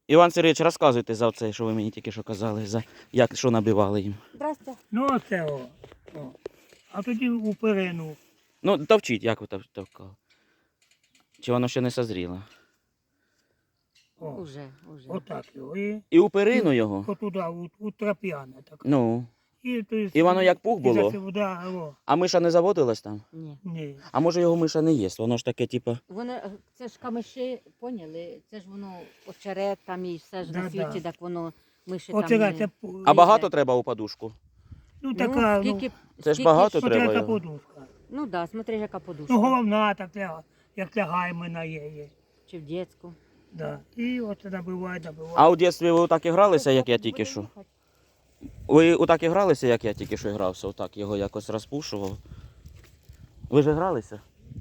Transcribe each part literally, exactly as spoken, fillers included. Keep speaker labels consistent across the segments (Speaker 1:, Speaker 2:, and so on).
Speaker 1: Іван Сергійович, розказуйте за це, що ви мені тільки що казали, за як, що набивали їм.
Speaker 2: Здрасте.
Speaker 3: Ну оце о. о. А тоді у перину.
Speaker 1: Ну, товчіть, як ви тов- товкали. Чи воно ще не созріло?
Speaker 3: О.
Speaker 2: Уже, уже.
Speaker 3: Отак його. І
Speaker 1: І у перину його?
Speaker 3: отуди, у, у трап'яне. Так.
Speaker 1: Ну.
Speaker 3: І, то есть,
Speaker 1: І воно як пух
Speaker 3: і
Speaker 1: було?
Speaker 3: за це, да, о.
Speaker 1: А миша не заводилась там?
Speaker 2: Ні.
Speaker 3: Ні.
Speaker 1: А може його миша не є? Воно ж таке, типу.
Speaker 2: Воно, е, це ж камиші, поняли? Це ж воно очерет там і все ж на
Speaker 3: Да,
Speaker 2: світі,
Speaker 3: да.
Speaker 2: так воно миші
Speaker 3: Оце
Speaker 2: там.
Speaker 3: це,
Speaker 2: не-
Speaker 3: пу-
Speaker 1: А багато треба у подушку?
Speaker 3: ну така, ну,
Speaker 2: скільки,
Speaker 1: Це ж
Speaker 2: скільки
Speaker 1: багато
Speaker 2: ж-
Speaker 1: треба
Speaker 3: смотря яка
Speaker 1: його.
Speaker 3: подушка.
Speaker 2: Ну так, да, смотри, яка подушка.
Speaker 3: Ну головна так ляга, як лягає мене є. є.
Speaker 2: Чи в дитячу.
Speaker 3: Да. І оце набиває, набиває.
Speaker 1: А у дитинстві ви отак і гралися, як я тільки що? Ви отак і гралися, як я тільки що грався? Отак його якось розпушував. Ви ж гралися?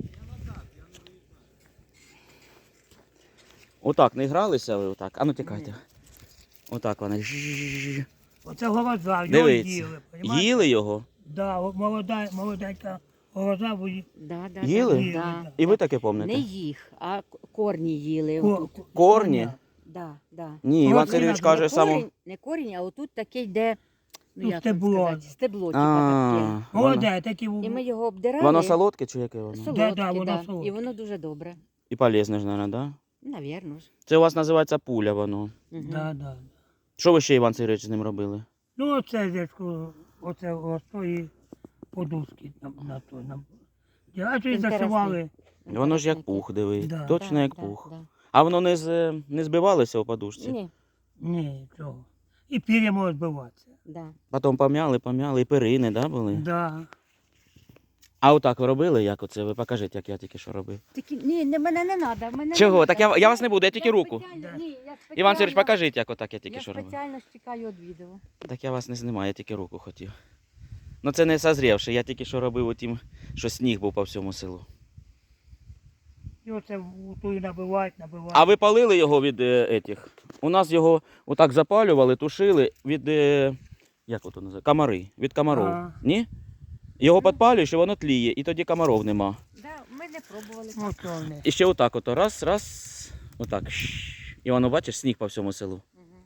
Speaker 1: Отак не гралися ви отак? А ну тікайте. Отак вони. Жжжж.
Speaker 3: Оце голоза, його
Speaker 1: Дивіться.
Speaker 3: їли. понімаєте?
Speaker 1: Їли його?
Speaker 3: Да, о- молода, молоденька голоза, ви її-
Speaker 2: Да, да,
Speaker 1: Їли?
Speaker 2: Да, да.
Speaker 1: І ви таке
Speaker 2: Не
Speaker 1: пам'ятаєте?
Speaker 2: їх, а к- корні їли.
Speaker 3: ко-
Speaker 2: отут.
Speaker 3: ко-
Speaker 1: Корні?
Speaker 3: коня.
Speaker 2: Да, да.
Speaker 1: Ні,
Speaker 3: Ну,
Speaker 1: Іван
Speaker 3: от
Speaker 1: Сергійович
Speaker 3: не
Speaker 1: каже
Speaker 2: не
Speaker 1: само.
Speaker 2: корінь, не корінь, а отут таке йде, ну,
Speaker 3: Ну,
Speaker 2: як
Speaker 3: стебло.
Speaker 2: вам сказати, стебло, типа
Speaker 1: А,
Speaker 2: таке.
Speaker 1: воно-
Speaker 3: Молоде, такі в-
Speaker 2: І ми його обдирали.
Speaker 1: Воно солодке чи яке воно?
Speaker 2: Солодке,
Speaker 3: Да, да, воно
Speaker 2: да.
Speaker 3: солодке.
Speaker 2: І воно дуже добре.
Speaker 1: І полезне ж, мабуть, да?
Speaker 2: Навірно ж.
Speaker 1: Це у вас називається пуля воно.
Speaker 2: Мгм.
Speaker 3: Да, да.
Speaker 1: Що ви ще, Іван Сергійович, з ним робили?
Speaker 3: Ну, оце дядько, оце остої подушки на, на той. На... А то й
Speaker 2: Інтересний.
Speaker 3: зашивали.
Speaker 1: Воно ж як пух, диви.
Speaker 3: Да.
Speaker 1: Точно
Speaker 2: Да,
Speaker 1: як
Speaker 2: да,
Speaker 1: пух.
Speaker 2: да.
Speaker 1: А воно не, з, не збивалося у подушці?
Speaker 2: Ні,
Speaker 3: Ні, цього. І пір'я може збиватися.
Speaker 2: да.
Speaker 1: Потім пом'яли, пом'яли, і перини, да, були?
Speaker 3: Да.
Speaker 1: А отак ви робили, як оце? Ви покажіть, як я тільки що робив.
Speaker 2: Тільки, ні, не, мене не треба. Мене
Speaker 1: Чого?
Speaker 2: не
Speaker 1: Так
Speaker 2: надо.
Speaker 1: я- я вас не буду, я тільки руку.
Speaker 2: спеціально-
Speaker 3: Да.
Speaker 2: ні, я спеціально-
Speaker 1: Іван Сергійович, покажіть, як отак я тільки
Speaker 2: Я
Speaker 1: що робив.
Speaker 2: спеціально ж чекаю від відео.
Speaker 1: Так я вас не знімаю, я тільки руку хотів. Ну це не созрівши, я тільки що робив отім, що сніг був по всьому селу.
Speaker 3: І оце в ту набивають, набивають.
Speaker 1: А ви палили його від е, етих? У нас його отак запалювали, тушили від, е, як ото називається, комари, від комаров.
Speaker 3: А.
Speaker 1: Ні? Його підпалюєш і воно тліє, і тоді комаров нема.
Speaker 2: Да, ми не пробували.
Speaker 3: Ну, то вони.
Speaker 1: І ще отак ото, раз, раз, отак. щ. І воно, бачиш, сніг по всьому селу.
Speaker 2: Мгм.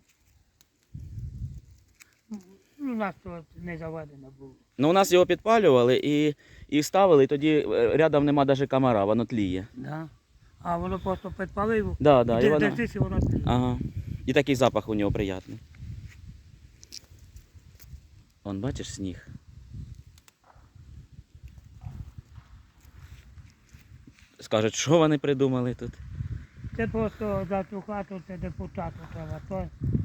Speaker 3: Ну, у нас тут не заведено було.
Speaker 1: Ну у нас його підпалювали і, і ставили, і тоді е, рядом нема навіть комара, воно тліє.
Speaker 3: Да. А воно просто підпалив.
Speaker 1: Да, да, і
Speaker 3: де,
Speaker 1: воно...
Speaker 3: де ти, воно тліє.
Speaker 1: Ага. І такий запах у нього приятний. Он, бачиш, сніг. Скажуть, що вони придумали тут?
Speaker 3: Це просто за цю хату, це депутату треба. То